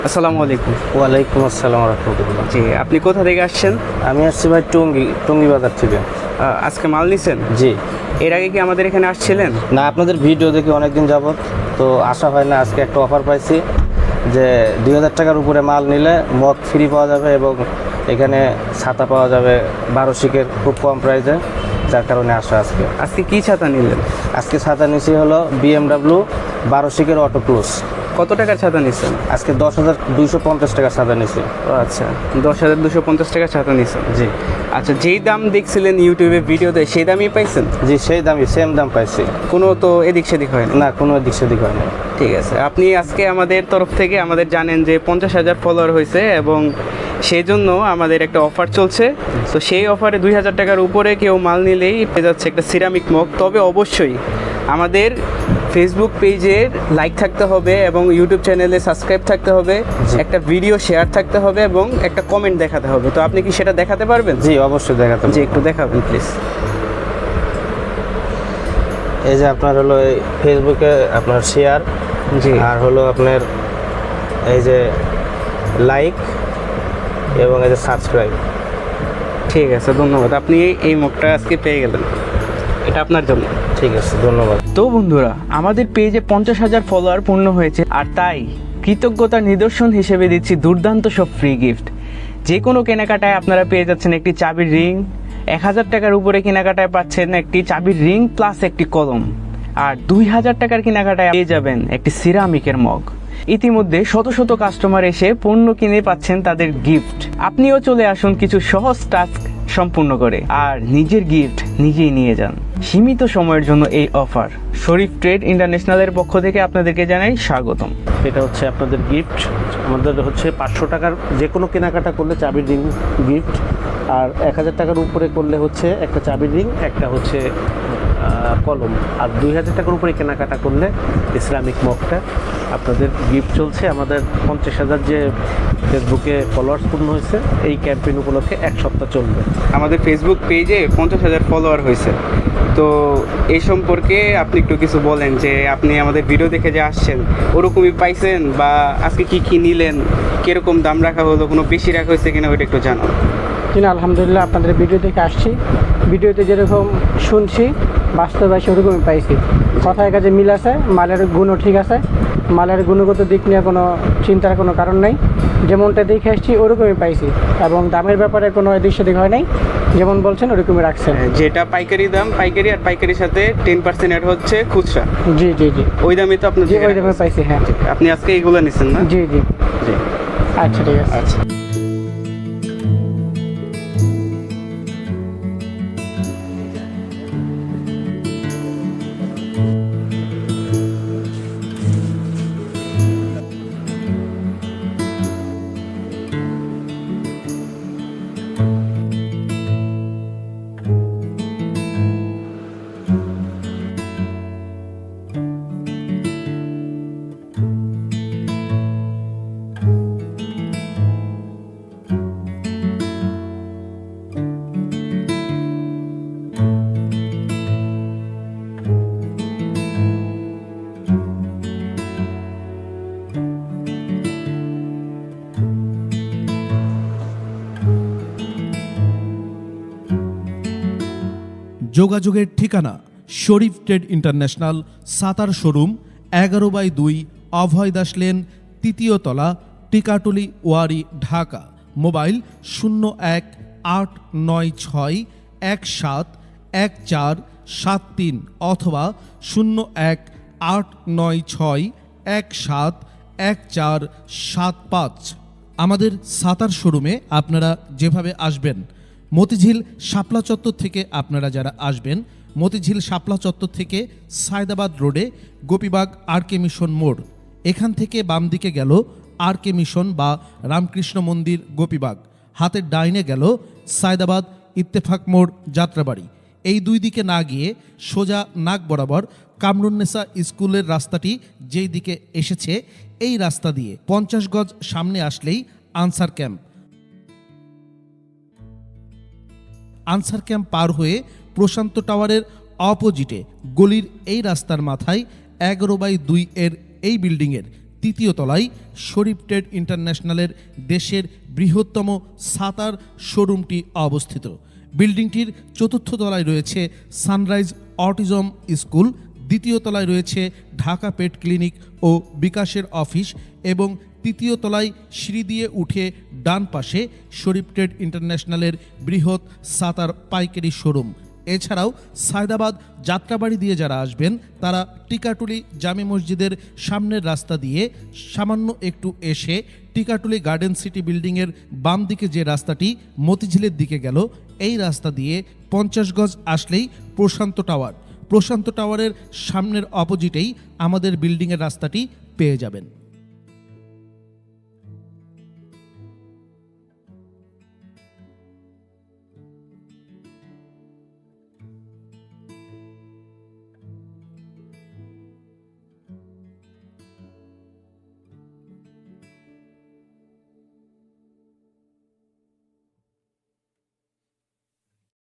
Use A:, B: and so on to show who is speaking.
A: আসসালামু আলাইকুম।
B: ওয়ালাইকুম আসসালাম রহমতুল্লাহ।
A: জি, আপনি কোথা থেকে আসছেন?
B: আমি আসছি ভাই টঙ্গী বাজার থেকে।
A: আজকে মাল নিছেন?
B: জি।
A: এর আগে কি আমাদের এখানে আসছিলেন?
B: না, আপনাদের ভিডিও দেখি অনেকদিন যাবত, তো আসা হয় না। আজকে একটা অফার পাইছি যে 2000 টাকার উপরে মাল নিলে মগ ফ্রি পাওয়া যাবে এবং এখানে ছাতা পাওয়া যাবে 12 শিকের খুব কম প্রাইসে, যার কারণে আসা আজকে।
A: আজকে কি ছাতা নিলেন?
B: আজকে ছাতা নিছি হলো BMW 12 শিকের অটো ক্লোজ।
A: কত টাকার ছাতা নিছেন?
B: আজকে 10,250 টাকার ছাতা নিছি।
A: ও আচ্ছা, 10,250 টাকার ছাতা নিছেন।
B: জি
A: আচ্ছা, যেই দাম দেখছিলেন ইউটিউবে ভিডিওতে সেই দামই পাইছেন?
B: জি, সেই দামই, সেম দাম পাইছি।
A: কোনো তো এদিক সেদিক হয় না?
B: না, কোনো দিক সেদিক হয় না।
A: ঠিক আছে, আপনি আজকে আমাদের তরফ থেকে আমাদের জানেন যে 50,000 ফলোয়ার হয়েছে এবং সেই জন্য আমাদের একটা অফার চলছে। তো সেই অফারে 2,000 টাকার উপরে কেউ মাল নিলেই পেয়ে যাচ্ছে একটা সিরামিক মগ। তবে অবশ্যই আমাদের ফেসবুক পেজের লাইক থাকতে হবে এবং ইউটিউব চ্যানেলে সাবস্ক্রাইব থাকতে হবে, একটা ভিডিও শেয়ার থাকতে হবে এবং একটা কমেন্ট দেখাতে হবে। তো আপনি কি সেটা দেখাতে পারবেন?
B: জি, অবশ্যই দেখাতে
A: জি, একটু দেখাবেন প্লিজ।
B: এই যে আপনার হলো এই ফেসবুকে আপনার শেয়ার,
A: জি,
B: আর হলো আপনার এই যে লাইক এবং এই যে সাবস্ক্রাইব।
A: ঠিক আছে, ধন্যবাদ। আপনি এই মগটা আজকে পেয়ে গেলেন, এটা আপনার জন্য।
B: ঠিক আছে, ধন্যবাদ।
A: তো বন্ধুরা, আমাদের পেজে 50,000 ফলোয়ার পূর্ণ হয়েছে, আর তাই কৃতজ্ঞতার নিদর্শন হিসেবে দিচ্ছি দুর্দান্ত সব ফ্রি গিফট। যে কোনো কেনাকাটায় আপনারা পেয়ে যাচ্ছেন একটি চাবির রিং, 1,000 টাকার উপরে কেনাকাটায় পাচ্ছেন একটি চাবির রিং প্লাস একটি কলম, আর 2,000 টাকার কেনাকাটায় পেয়ে যাবেন একটি সিরামিকের মগ। ইতিমধ্যে শত শত কাস্টমার এসে পণ্য কিনে পাচ্ছেন তাদের গিফট। আপনিও চলে আসুন কিছু সহজ টাস্ক সম্পূর্ণ করে আর নিজের গিফট নিজেই নিয়ে যান। সীমিত সময়ের জন্য এই অফার। শরীফ ট্রেড ইন্টারন্যাশনালের পক্ষ থেকে আপনাদেরকে জানাই স্বাগতম।
C: এটা হচ্ছে আপনাদের গিফট। আমাদের হচ্ছে 500 টাকার যে কোনো কেনাকাটা করলে চাবির রিং গিফট, আর 1,000 টাকার উপরে করলে হচ্ছে একটা চাবির রিং, একটা হচ্ছে কলম, আর 2,000 টাকার উপরে কেনাকাটা করলে ইসলামিক মগটা আপনাদের গিফট চলছে। আমাদের 50,000 যে ফেসবুকে ফলোয়ার্স পূর্ণ হয়েছে, এই ক্যাম্পেইন উপলক্ষে 1 সপ্তাহ চলবে।
A: আমাদের ফেসবুক পেজে 50,000 ফলোয়ার হয়েছে, তো এই সম্পর্কে আপনি একটু কিছু বলেন যে আপনি আমাদের ভিডিও দেখে যে আসছেন ওরকমই পাইছেন, বা আজকে কি কি নিলেন, কিরকম দাম রাখা হলো, কোনো বেশি রাখা হয়েছে কিনা ওইটা একটু জানান।
D: জি না, আলহামদুলিল্লাহ, আপনাদের ভিডিও দেখে আসছি। ভিডিওতে যেরকম শুনছি বাস্তবে সেরকমই পাইছি। কথায় কাজে মিল আছে, মালের গুণও ঠিক আছে। মালের গুণগত দিক নিয়ে কোনো চিন্তার কোনো কারণ নেই। যেমনটা দেখে আসছি ওরকমই পাইছি, এবং দামের ব্যাপারে কোনো এদিক সেদিক হয় নাই। যেমন বলছেন ওরকমই রাখছেন।
A: যেটা পাইকারি দাম পাইকারি, আর পাইকারির সাথে 10% অ্যাড হচ্ছে খুচরা।
D: জি জি জি,
A: ওই দামে তো আপনি
D: জি ওই দামে পাইছি। হ্যাঁ,
A: আপনি আজকে এইগুলো নিছেন না?
D: জি জি,
A: জি,
D: আচ্ছা ঠিক আছে।
A: আচ্ছা।
E: যোগাযোগের ঠিকানা Sharif trade international, Sattar showroom, 11/2 Abhay Das lane, 3য় তলা, টিকাটুলি, ওয়ারি, ঢাকা। মোবাইল 01-896-171473 অথবা 01-896-171475। আমাদের সাতার শোরুমে আপনারা যেভাবে আসবেন, মতিঝিল শাপলা চত্বর থেকে আপনারা যারা আসবেন, মতিঝিল শাপলা চত্বর থেকে সায়দাবাদ রোডে গোপীবাগ আর.কে মিশন মোড়, এখান থেকে বাম দিকে গেল আর.কে মিশন বা রামকৃষ্ণ মন্দির গোপীবাগ, হাতের ডাইনে গেল সায়দাবাদ ইত্তেফাক মোড় যাত্রাবাড়ি। এই দুই দিকে না গিয়ে সোজা নাক বরাবর কামরুন্নেসা স্কুলের রাস্তাটি যেই দিকে এসেছে, এই রাস্তা দিয়ে 50 গজ সামনে আসলেই আনসার ক্যাম্প। আনসার ক্যাম্প পার হয়ে প্রশান্ত টাওয়ারের অপোজিটে গলির এই রাস্তার মাথায় 11/2 এর এই বিল্ডিংয়ের তৃতীয় তলায় শরীফ ট্রেড ইন্টারন্যাশনালের দেশের বৃহত্তম সাতার শোরুমটি অবস্থিত। বিল্ডিংটির চতুর্থ তলায় রয়েছে সানরাইজ অটিজম স্কুল, দ্বিতীয় তলায় রয়েছে ঢাকা পেট ক্লিনিক ও বিকাশের অফিস এবং তৃতীয় তলায় সিঁড়ি দিয়ে উঠে ডান পাশে শরীফ ট্রেড ইন্টারন্যাশনালের বৃহৎ সাতার পাইকারি শোরুম। এছাড়াও সায়দাবাদ যাত্রাবাড়ি দিয়ে যারা আসবেন তারা টিকাটুলি জামে মসজিদের সামনের রাস্তা দিয়ে সামান্য একটু এসে টিকাটুলি গার্ডেন সিটি বিল্ডিংয়ের বাম দিকে যে রাস্তাটি মতিঝিলের দিকে গেল, এই রাস্তা দিয়ে 50 গজ আসলেই প্রশান্ত টাওয়ার। প্রশান্ত টাওয়ারের সামনের অপোজিটেই আমাদের বিল্ডিংয়ের রাস্তাটি পেয়ে যাবেন।